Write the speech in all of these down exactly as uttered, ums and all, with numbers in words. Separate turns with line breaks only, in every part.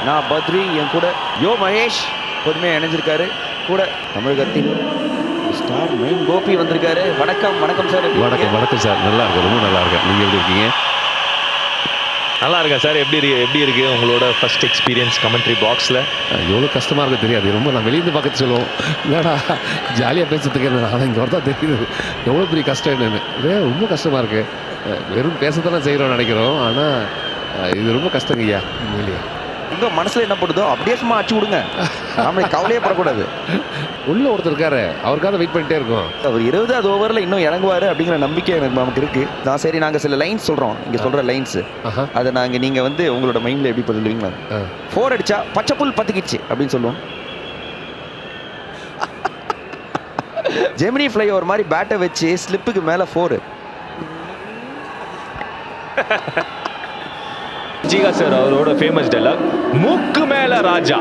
நான் பத்ரி, என் கூட யோ மகேஷ் பொதுமையாக இணைஞ்சிருக்காரு. கூட தமிழகத்தின் ஸ்டார் மெயின் கோபி வந்திருக்காரு. வணக்கம் வணக்கம் சார்.
வணக்கம் வணக்கம் சார். நல்லா இருக்கு, ரொம்ப நல்லா இருக்கு. நீங்கள் எப்படி இருக்கீங்க?
நல்லா இருக்கேன் சார். எப்படி இருக்கு எப்படி இருக்கு உங்களோட ஃபர்ஸ்ட் எக்ஸ்பீரியன்ஸ் கமெண்ட்ரி பாக்ஸில்?
எவ்வளோ கஷ்டமாக இருக்கு தெரியாது. ரொம்ப நான் வெளியிருந்து பார்க்க சொல்லுவோம், என்னடா ஜாலியாக பேசுறதுக்கு என்ன, ஆனால் இங்கே வரதான் தெரியுது எவ்வளோ பெரிய கஷ்டம் என்னன்னு. இதே ரொம்ப கஷ்டமாக இருக்குது. வெறும் பேசத்தானே செய்கிறோம்னு நினைக்கிறோம், ஆனால் இது ரொம்ப கஷ்டங்க ஐயா. உண்மையிலேயே
உங்க மனசுல என்ன போடுதோ அப்படியே சும்மா அடிச்சு விடுங்க. நாமளே கவலையே படக்கூடாது.
உள்ள ஒருத்தர் இருக்காரு, அவருக்காக வெயிட் பண்ணிட்டே இருக்கோம்.
அவர் இருபதாவது ஓவரில் இன்னும் இறங்குவாரு அப்படிங்கிற நம்பிக்கை எனக்கு நமக்கு இருக்கு. நான் சரி, நாங்கள் சில லைன்ஸ் சொல்கிறோம், இங்கே சொல்கிற லைன்ஸ் அதை நாங்கள் நீங்கள் வந்து உங்களோட மைண்டில் எப்படி சொல்லுவீங்களா? ஃபோர் அடிச்சா பச்சை புல் பத்துக்கிச்சு அப்படின்னு சொல்லுவோம். ஜெமினி ஃப்ளை ஒரு மாதிரி பேட்டை வச்சு ஸ்லிப்புக்கு மேலே ஃபோரு.
ஜிகா சார் அவரோட ஃபேமஸ் டைலாக், மூக்கு மேல ராஜா.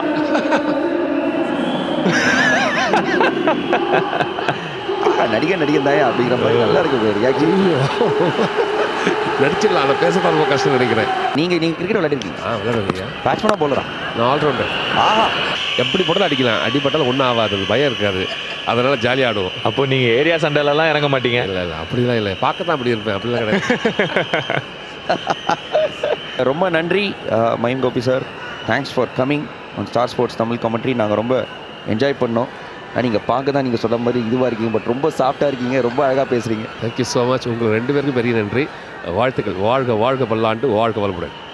நடிகை நடிகன் தாயா அப்படிங்கிற மாதிரி நல்லா இருக்கு ரியாக்ஷன்.
நடிச்சிடலாம், அதை பேசத்தான் ரொம்ப கஷ்டம் நினைக்கிறேன்.
நீங்கள் நீங்கள் கிரிக்கெட் விளையாடிருக்கீங்க?
ஆ விளையாடுவீங்க.
பேட்ஸ்மேனாக போலரா?
நான் ஆல்ரவுண்டர்.
ஆஹா,
எப்படி போட்டாலும் அடிக்கலாம், அடிப்பட்டாலும் ஒன்றும் ஆகாது, பயம் இருக்காது, அதனால ஜாலியாக ஆடுவோம்.
அப்போ நீங்க ஏரியா சண்டையிலலாம் இறங்க மாட்டீங்க?
இல்லை இல்லை அப்படிலாம் இல்லை, பார்க்கத்தான் அப்படி இருப்பேன், அப்படிலாம் கிடையாது.
ரொம்ப நன்றி மயம் Gopi sir. Thanks for coming on Star Sports Tamil commentary. நாங்கள் ரொம்ப என்ஜாய் பண்ணோம். நீங்கள் பார்க்க தான் நீங்கள் சொல்கிற மாதிரி இதுவாக இருக்கீங்க, பட் ரொம்ப சாஃப்டாக இருக்கீங்க, ரொம்ப அழகாக பேசுகிறீங்க.
Thank you so much. உங்களுக்கு ரெண்டு பேருக்கும் பெரிய நன்றி. வாழ்த்துக்கள். வாழ்க வாழ்க பல்லாண்டு, வாழ்க வளமுடன்.